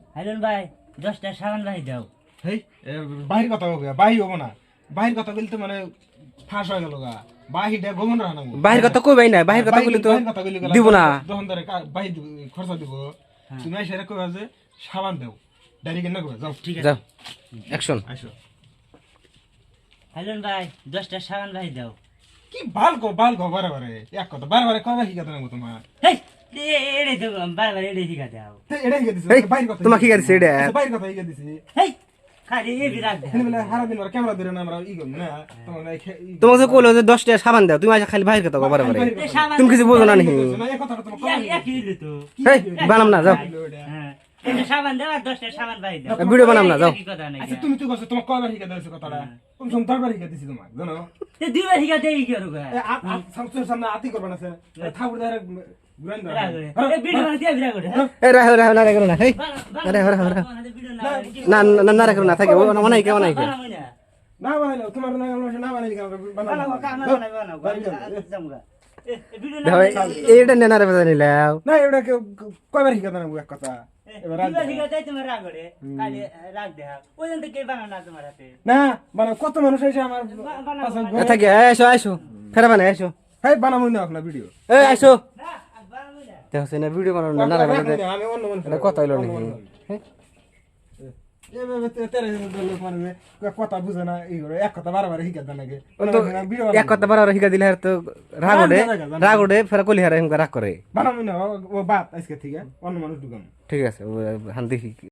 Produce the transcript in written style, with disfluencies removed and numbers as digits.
হাইলন ভাই 10টা সাবান ভাই দাও। হেই বাহির কথা হোক বাহি হবো না বাহির কথা বলতে মানে ফাঁস হয়ে গেল গা বাহিটা গোমন রাখা না বাহির কথা কইবাই না, বাহির কথা কইলে তো দিব না। তখন ধরে বাহি খরচা দিব তুমি এসে কইবা যে সাবান দাও ডাইরেক্ট না কইবা যাও ঠিক আছে যাও অ্যাকশন। আসো হাইলন ভাই 10টা সাবান ভাই দাও। কি বাল গো বারে বারে এক কথা বারে বারে কয়বার শিখাতে না তোমার হেই এড়ে তো বারবার এড়ে শিখা দাও। এটা শিখে দিছি এই, বাহির কথা তোমাকে কি গাইছে এটা? বাহির কথা শিখে দিছি হেই খালি এ বিরাগ দাও। এখানে বলে সারা দিন ওরা ক্যামেরা ধরে না আমরা ই করি না তোমার তোমাকে যে কইলো যে 10টা সাবান দাও, তুমি আজ খালি বাহির কথা কও বারে বারে। এ সাবান তুমি কিছু বোঝো না নি? না এই কথাটা তোমার একই হইলো তো। এই বানাম না, যাও হ্যাঁ এটা সাবান দাও আর 10টা সাবান ভাই দাও। ভিডিও বানাম না, যাও। কি কথা নাই। আচ্ছা তুমি তো কইছো তোমার কয়বার শিখে দিছো কথাটা তুমি সব দরবার শিখে দিছি তোমার জানো তে দুইবার শিখা দেই কি করব? সামনে আতি করবে না স্যার ঠাকুর দারে গ্রাইন্ড এ ভিডিও বানাতে বিরাগ করে। এই রাহো রাহো না রাখো না। এই রাহো রাহো রাহো ভিডিও না না না রাখো না, থাকে অনাই কে অনাই কে। না বানাইলো তোমার না বানাইলি কেন বানাবো দেখো এইটা নেনা রে বাজানি লাও। না এটা কয়বার শিখে দেন এক কথা এবার না মানে কত মানুষ এসে আমার থাকে আইসো আইসো ফেরা বানাই আইসো। হ্যাঁ বানাবো না আপনার ভিডিও এই আইসো দেখো না ভিডিও বানানো না না বানাতে আমি অন্য মানুষ এটা কথা হইলো নাকি? হ্যাঁ কথা বুঝে না এই করে এক কথা বারবার শিখে দেন নাকি এক কথা বারবার শিখা দিলে আর তো রাগ ওঠে ফেরা কলি হারা রাগ করে। বানাবো না ও বাদ আজকে থেকে অন্য মানুষ ঢুকাম ঠিক আছে হান দেখি